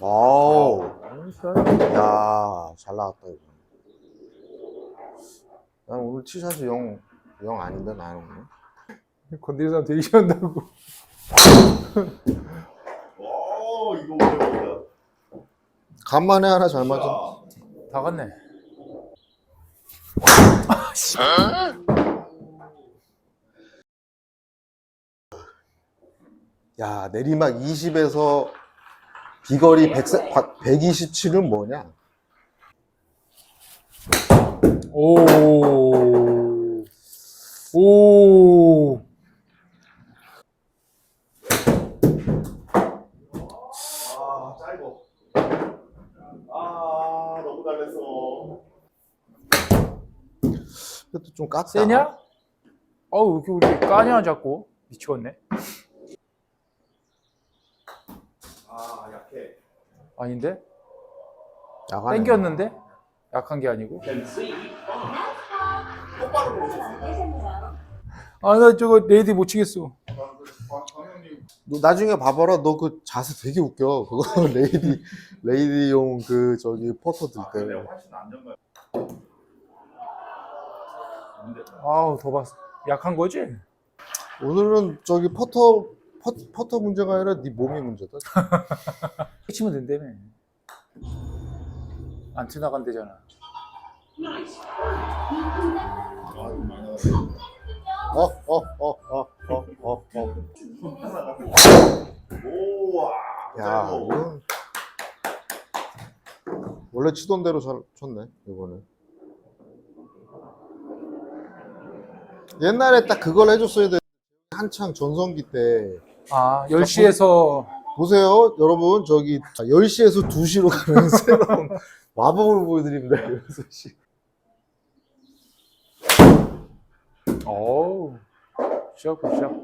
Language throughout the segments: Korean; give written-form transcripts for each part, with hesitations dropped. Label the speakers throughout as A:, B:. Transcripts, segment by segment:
A: 아우. 야, 잘 나왔다, 이거. 난 오늘 티샷이 영 아닌데, 나는 오늘.
B: 건드리는 사람 되게 싫어한다고.
C: 이거 오랜만이다.
A: 간만에 하나 잘 맞은.
B: 다 갔네.
A: 야, 내리막 20에서 비거리 127은 뭐냐?
B: 오. 오.
C: 짧어. 너무 달랬어.
A: 그것도 좀 깠다.
B: 세냐? 어우, 왜 이렇게 우리 까냐, 자꾸. 미치겠네.
C: 약해.
B: 아닌데?
A: 야간에.
B: 땡겼는데? 약한 게 아니고.
C: 똑바로 보셨어요?
B: 아, 나 저거 레이디 못 치겠어.
C: 광형님.
A: 너 나중에 봐봐라. 너 그 자세 되게 웃겨. 그거 레이디용 그 저기 퍼터 들 때.
C: 근데 훨씬 안정감.
B: 아우, 더 봤어. 약한 거지?
A: 오늘은 저기 퍼터 문제가 아니라 네 몸이 문제다.
B: 치면 된다며. 안 튀나간대잖아.
C: 오와.
A: 야, 이건 원래 치던 대로 잘 쳤네 이번에. 옛날에 딱 그걸 해줬어야 돼. 한창 전성기 때.
B: 아, 10시에서
A: 보세요, 여러분. 저기 10시에서 2시로 가는 새로운 마법을 보여드립니다. 6시.
B: 어우, 시작.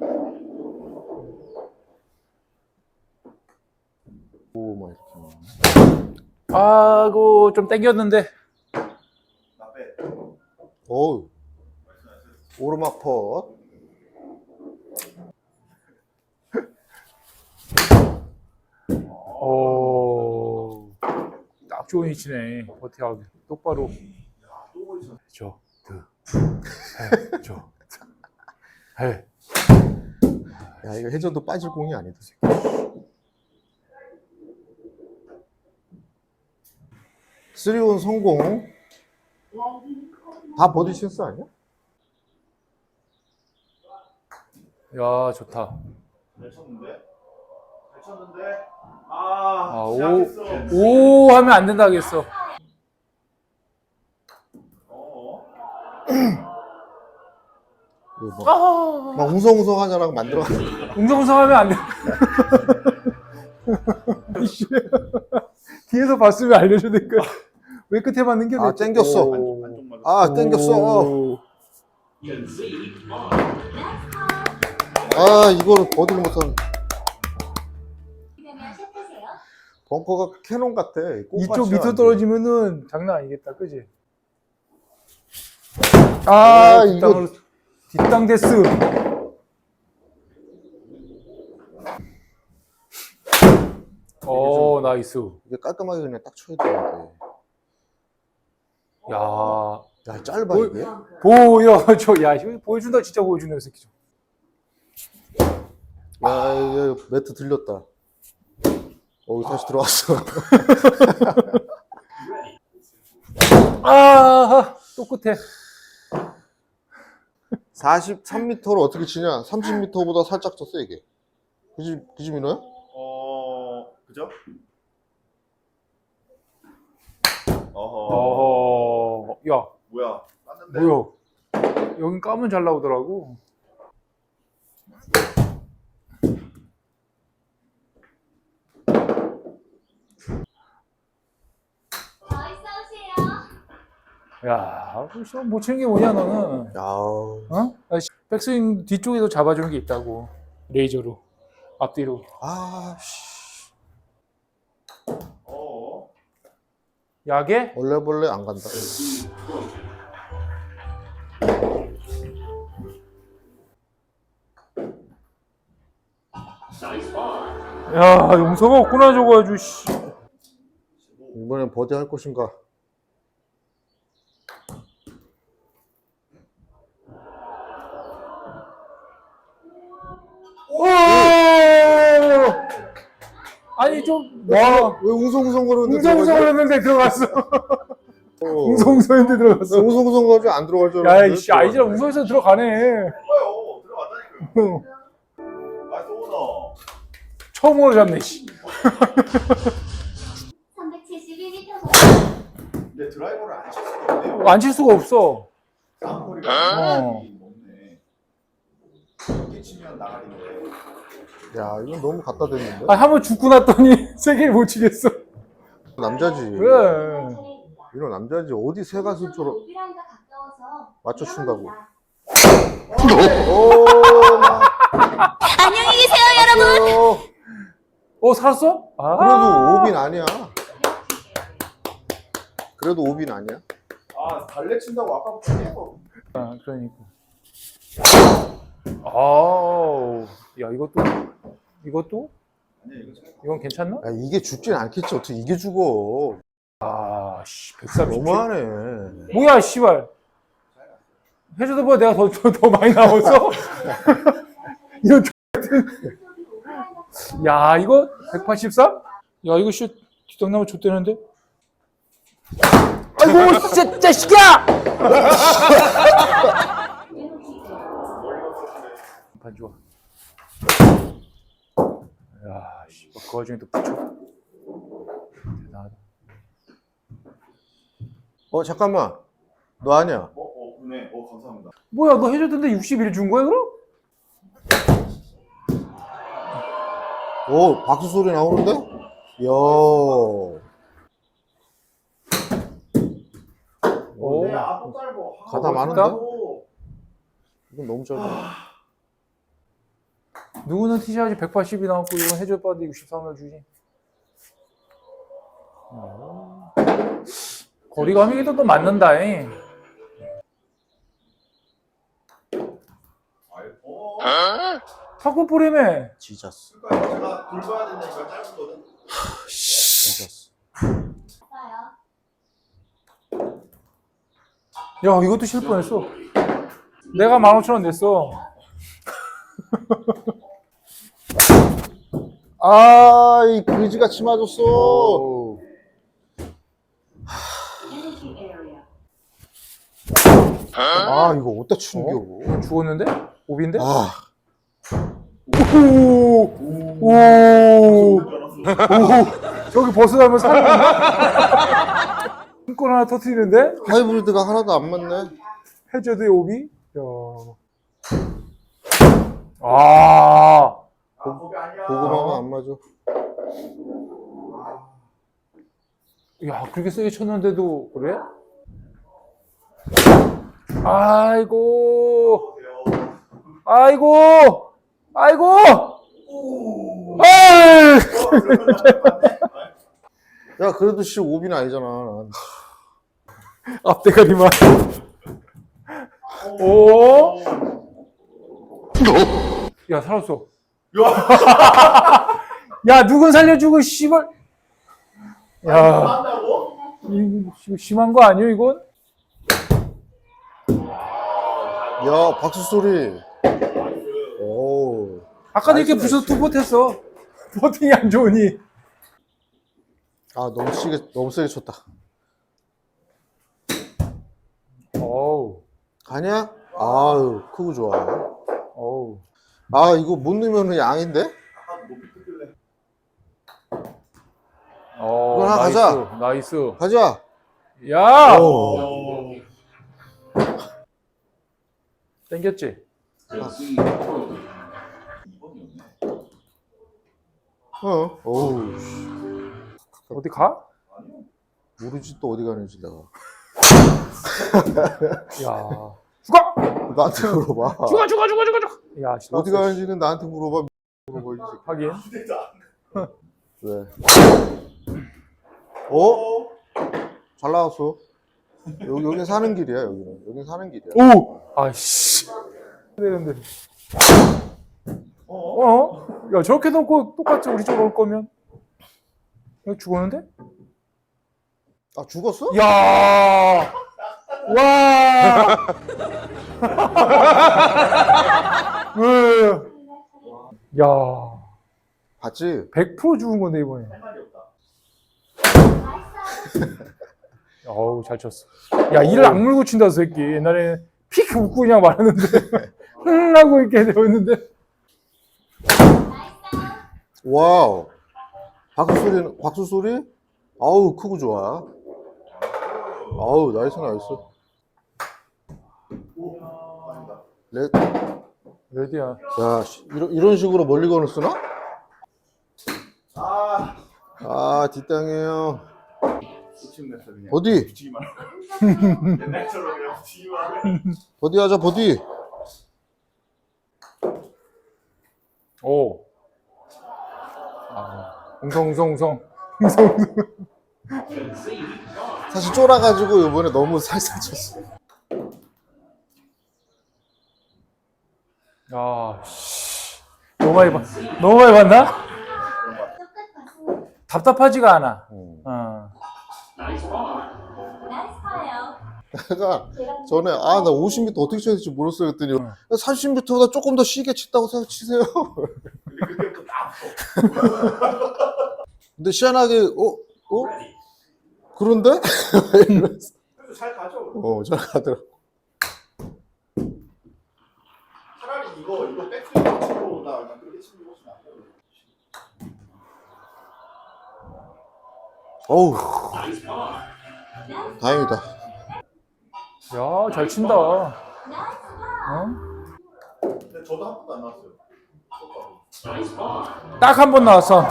A: 오, 막 이렇게.
B: 아고, 좀 땡겼는데.
C: 나 빼.
A: 어우. 오르막 퍼.
B: 오, 딱 좋은 위치네. 버티하기 똑바로.
C: 또 보이죠?
B: 해.
A: 야, 이거 회전도 빠질 공이 아니다. 3온 성공. 다 버디 실수 아니야?
B: 야, 좋다.
C: 잘 쳤는데?
B: 아,
C: 시작했어.
B: 오 하면 안 된다 하겠어.
A: 이거 막 웅성웅성 하냐랑 만들어.
B: 웅성웅성하면 안 돼. 뒤에서 봤으면 알려줘야 될 거야. 왜 끝에 맞는 게?
A: 아, 땡겼어.
C: 안쪽 맞아.
A: 아, 땡겼어. 아, 이거를 버디를 못하는. 벙커가 캐논 같아.
B: 이쪽 밑으로 떨어지면은 장난 아니겠다, 그지? 아,
A: 이거
B: 뒷땅 데스. 오, 나이스.
A: 이게 깔끔하게 그냥 딱 쳐야 되는데.
B: 야,
A: 야, 짧아 이게.
B: 야, 이거 보여준다, 진짜 보여준다, 이 새끼.
A: 야, 이거 매트 들렸다. 다시 들어왔어.
B: 아, 또 끝에.
A: 43m를 어떻게 치냐? 30m보다 살짝 더 세게. 그지 민호야?
C: 그죠?
B: 야,
C: 뭐야? 땄는데?
B: 뭐야? 여긴 까면 잘 나오더라고. 야, 못 치는 게 뭐냐 너는?
A: 야,
B: 어? 백스윙 뒤쪽에도 잡아주는 게 있다고. 레이저로 앞뒤로.
A: 아, 씨.
B: 야게?
A: 벌레 안 간다.
B: 야, 용서가 없구나 저거 아주. 씨.
A: 이번엔 버디 할 것인가?
B: 오! 아니 좀
A: 왜
B: 와.
A: 웅성웅성 거리는데
B: 웅성웅성했는데 들어갔어.
A: 웅성웅성
B: 웅성웅성했는데 들어갔어.
A: 웅성웅성 거리지 안 들어갈 줄
B: 야,
A: 알았는데
B: 이씨, 아이즈랑 웅성해서 들어가네.
C: 뭐요? 들어갔다니까요. 나이스 오너.
B: 처음으로 잡네, 씨.
D: 372m
C: 근데 드라이버를 안 칠 수가 없네요.
B: 안 칠 수가 없어.
C: 쌍거리가
B: 어.
C: 높네. 이렇게 치면 나가리인데.
A: 야 이건 너무 갖다 댔는데?
B: 아, 한번 죽고 났더니 세 개를 못 치겠어.
A: 남자지
B: 왜?
A: 이런 남자지 어디 새 가슴처럼
D: 오비랑과 가까워서
A: 맞춰준다고.
D: 위험합니다.
A: 오
D: 안녕히 계세요, 여러분.
B: 살았어? 아.
A: 그래도 오빈 아니야 그래도 오빈 아니야?
C: 아 달래 친다고 아까부터 계속.
B: 아, 그러니까. 아우. 야, 이것도?
C: 아니 이거 잘.
B: 이건 괜찮나?
A: 야 이게 죽진 않겠지 어떻게 이게 죽어
B: 아, 씨, 130.
A: 너무하네
B: 뭐야, 씨발. 해줘도 뭐 내가 더 많이 나왔어? 이런 야, 이거 183? 야, 이거 씨 뒷땅나무 좆대는데? 아이고, 진짜 자식아! 반 좋아. 야, 씨, 그 와중에 또 붙여. 대단하다.
A: 잠깐만 너 아니야
C: 그네. 감사합니다.
B: 뭐야, 너 해줬던데 61 준 거야, 그럼?
A: 오 박수 소리 나오는데? 이야
B: 오.
C: 네, 아또 짧어.
A: 가다 많은데? 이건 너무 짧아
B: 누구는 티샷이 180이 나왔고, 이건 해줬는데 63을 주지. 거리감이 또 맞는다, 잉. 탁구 뿌리매.
A: 지자스
C: 그러니까 제가 굴봐야 된다니까 짧거든.
A: 지자스
B: 야, 이것도 실 뻔했어. 내가 15,000원 냈어.
A: 아이 그지같이 맞았어 아 이거 어디다 치는겨
B: 죽었는데? 오비인데?
A: 아
B: 오! 저기 벗어나면 사는 건가? 손권 하나 터뜨리는데?
A: 하이브리드가 하나도 안 맞네
B: 해저드의 오비? 야. 아.
C: 거기 아니야.
A: 고구마가 안 맞아
B: 야, 그렇게 세게 쳤는데도 그래? 아이고. 아이고. 아이고. 아이.
A: 야 그래도 씨 오비는 아니잖아 난.
B: 앞대가리만. 오. 야, 살았어. 야, 누군 살려주고, 씨발. 야,
C: 한다고?
B: 이거 심한 거 아니야, 이건?
A: 야 박수 소리 오
B: 아까도 이렇게
A: 나이스,
B: 부셔서 투포 했어. 버팅이 안 좋으니.
A: 아 너무 세게 쳤다
B: 어우,
A: 가냐? 아유 크고 좋아
B: 어우.
A: 아 이거 못 넣으면 양인데?
C: 아까 높이 뜨길래.
B: 어,
A: 하나
B: 나이스,
A: 가자.
B: 나이스.
A: 가자
B: 야!
A: 오.
B: 땡겼지?
A: 어우
B: 어디 가?
A: 모르지 또 어디 가는지 내가
B: 야. 죽어!
A: 나한테 물어봐
B: 죽어! 야, 씨,
A: 어디 가는지는 나한테 물어봐 이 새끼.
B: 하긴.
A: 왜? 어? 잘 나왔어 여긴 사는 길이야 여긴 사는 길이야
B: 오! 아이씨. 되는데. 야, 저렇게 놓고 똑같이 우리 쪽으로 올 거면. 이거 죽었는데?
A: 아, 죽었어?
B: 야, 와, 야,
A: 봤지?
B: 100% 죽은 건데 이번에.
C: 할 말이 없다.
D: 나이스.
B: 어우, 잘 쳤어. 야, 이를 악물고 친다, 저 새끼. 옛날에 픽 웃고 그냥 말하는데, 하고 이렇게 되었는데.
D: 나이스.
A: 와우. 박수 소리? 아우, 크고 좋아. 아우, 나이스.
C: 오, 아니다.
B: 레디야.
A: 야, 이런 식으로 멀리건을 쓰나?
C: 아,
A: 아, 뒷땅이에요.
C: 욕심냈어 그냥.
A: 버디.
C: 붙이기만 하고. 옛날처럼 그냥 붙이기만 하고.
A: 버디 하자, 버디.
B: 오. 아, 웅성.
A: 사실 쫄아가지고 이번에 너무 살살 쳤어.
B: 야, 씨. 너무 많이 봤나?
D: 끝 봤습니다.
B: 답답하지가 않아. 어.
D: 나이스 파예요.
A: 내가 전에 나 50m 어떻게 쳐야 될지 몰랐어요 그랬더니 30m보다 조금 더 쉬게 쳤다고 생각치세요.
C: 근데 그때부터 딱
A: 근데 희한하게 그런데?
C: 그래도 잘 가죠.
A: 잘 가더라고.
C: 차라리 이거 백스윙 치고 나 그냥 그렇게 치는 것이 낫고.
A: 어우, 다행이다.
B: 야, 잘 친다. 어?
C: 근데 저도 한 번도 안 나왔어요.
B: 딱 한 번 나왔어.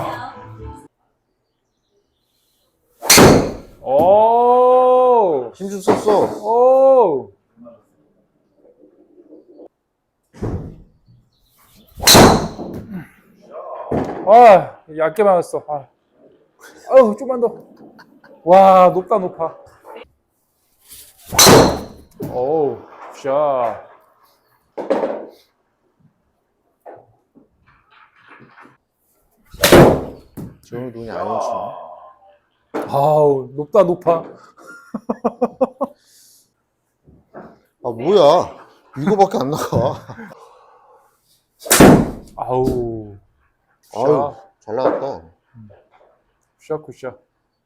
B: 오,
A: 힘 좀 썼어.
B: 오. 아, 얇게 맞았어. 아유, 좀만 더. 와, 높아. 오, 샷.
A: 저 눈이 안 오치네.
B: 아우, 높아.
A: 아, 뭐야. 이거밖에 안 나가.
B: 아우,
A: 아유, 잘 나갔다.
B: 굿샷.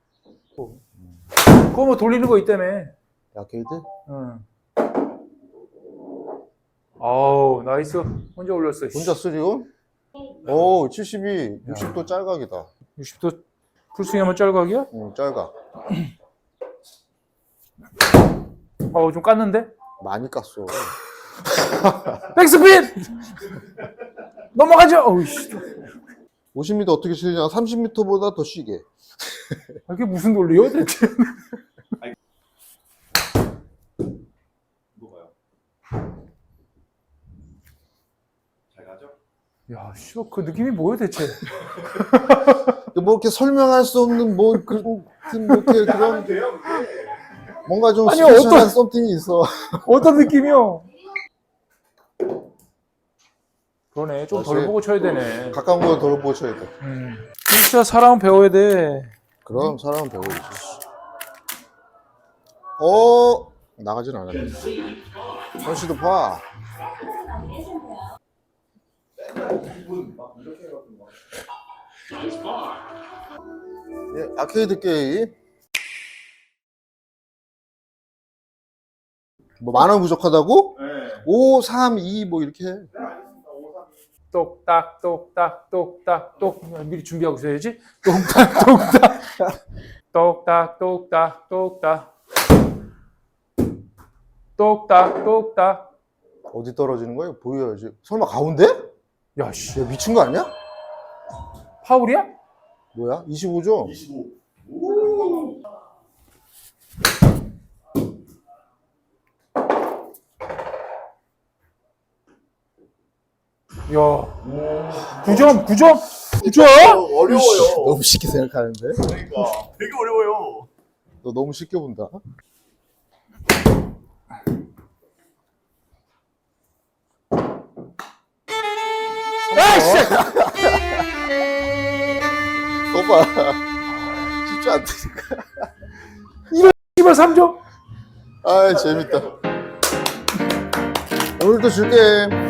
B: 그거 뭐 돌리는 거 있다며.
A: 아케이드?
B: 응. 아우, 나이스. 혼자 올렸어.
A: 혼자 쓰리온? 오, 72. 60도 짤각이다.
B: 60도 풀스윙하면 짤각이야?
A: 짤각.
B: 좀 깠는데?
A: 많이 깠어.
B: 백스핀! 넘어가죠! 어우씨.
A: 50m 어떻게 치느냐? 30m보다 더 쉬게.
B: 이게 무슨 논리야, 대체?
C: 이거 봐요. 잘 가죠?
B: 야, 씨, 그 느낌이 뭐야, 대체?
A: 뭐 이렇게 설명할 수 없는 이렇게
C: 하면
A: 그런
C: 돼요, 그게.
A: 뭔가 좀
B: 아니,
A: 스페셜한 썸띵이 있어.
B: 어떤 느낌이요? 그러네, 좀 덜
A: 다시.
B: 보고 쳐야 되네.
A: 가까운 거 덜 보고 쳐야 돼.
B: 진짜 사람 배워야 돼.
A: 그럼 사람은 배워야지. 나가진 않았네. 선씨도 봐.
C: 기분 막 이렇게 해가지고 막.
A: 예, 아케이드 게임. 뭐 만 원 부족하다고?
C: 네.
A: 5, 3, 2 뭐 이렇게 해.
C: 네, 알겠습니다. 5, 3, 2.
B: 똑딱. 미리 준비하고 있어야지. 똑딱.
A: 어디 떨어지는 거야? 보여야지. 설마 가운데?
B: 야, 씨.
A: 야, 미친 거 아니야?
B: 파울이야?
A: 뭐야? 25죠?
C: 25. 오.
B: 야. 9점.
C: 어려워요.
A: 너무 쉽게 생각하는데?
C: 그러니까 되게 어려워요.
A: 너 너무 쉽게 본다.
B: 아이씨!
A: 오빠 쉽지 않다니까.
B: 씨발 3점.
A: 아 재밌다. 오늘도 줄게.